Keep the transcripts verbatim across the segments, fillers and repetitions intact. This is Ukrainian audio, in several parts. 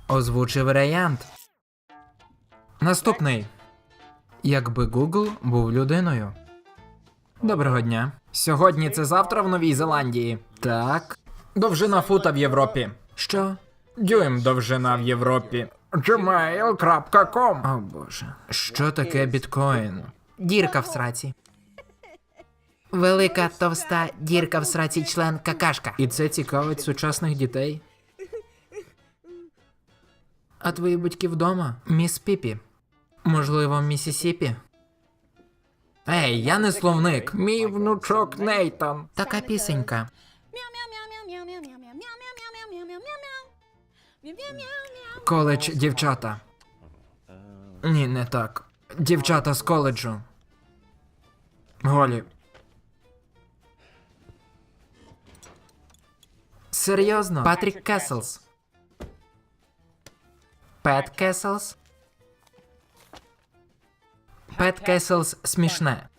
Озвучив варіант. Наступний. Якби Google був людиною. Доброго дня. Сьогодні це завтра в Новій Зеландії. Так. Довжина фута в Європі. Що? Дюйм довжина в Європі. джимейл крапка ком. О боже. Що таке біткоін? Дірка в сраці. Велика товста дірка в сраці член какашка. І це цікавить сучасних дітей. А твої батьки вдома? Міс Піпі. Можливо, Місісіпі? Ей, я не словник. Мій внучок Нейтан. Така пісенька. Коледж дівчата. Ні, не так. Дівчата з коледжу. Голі. Серйозно? Патрік Кеселс. Пет Кеселс. Пет Кеселс смішне.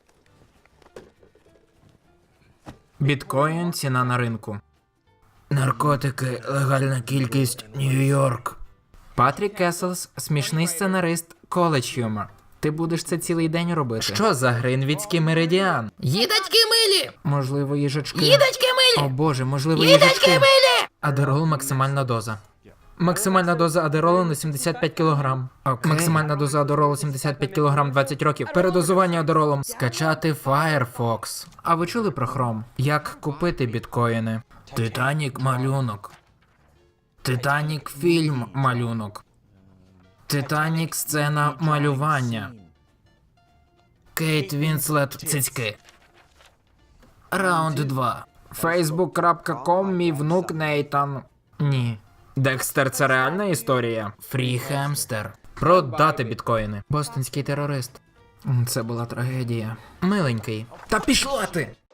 Біткоін ціна на ринку. Наркотики, легальна кількість, Нью-Йорк. Патрік Кеселс смішний сценарист, коледж юмор. Ти будеш це цілий день робити. Що за Гринвіцький меридіан? Їдочки милі! Можливо, їжачки. Їдочки О милі! боже, можливо, Їдочки їжачки. милі! Адерол максимальна доза. Максимальна доза адеролу на сімдесят п'ять кілограм. Окей. Максимальна доза адеролу сімдесят п'ять кілограм двадцять років. Передозування адеролом. Скачати Firefox. А ви чули про Chrome? Як купити біткоїни? Титанік малюнок. Титанік фільм малюнок. Титанік сцена малювання. Кейт Вінслет цицьки. Раунд два. фейсбук крапка ком мій внук Нейтан. Ні. Декстер — це реальна історія? Фрі Хемстер. Продати біткоїни. Бостонський терорист. Це була трагедія. Миленький. Та пішла ти!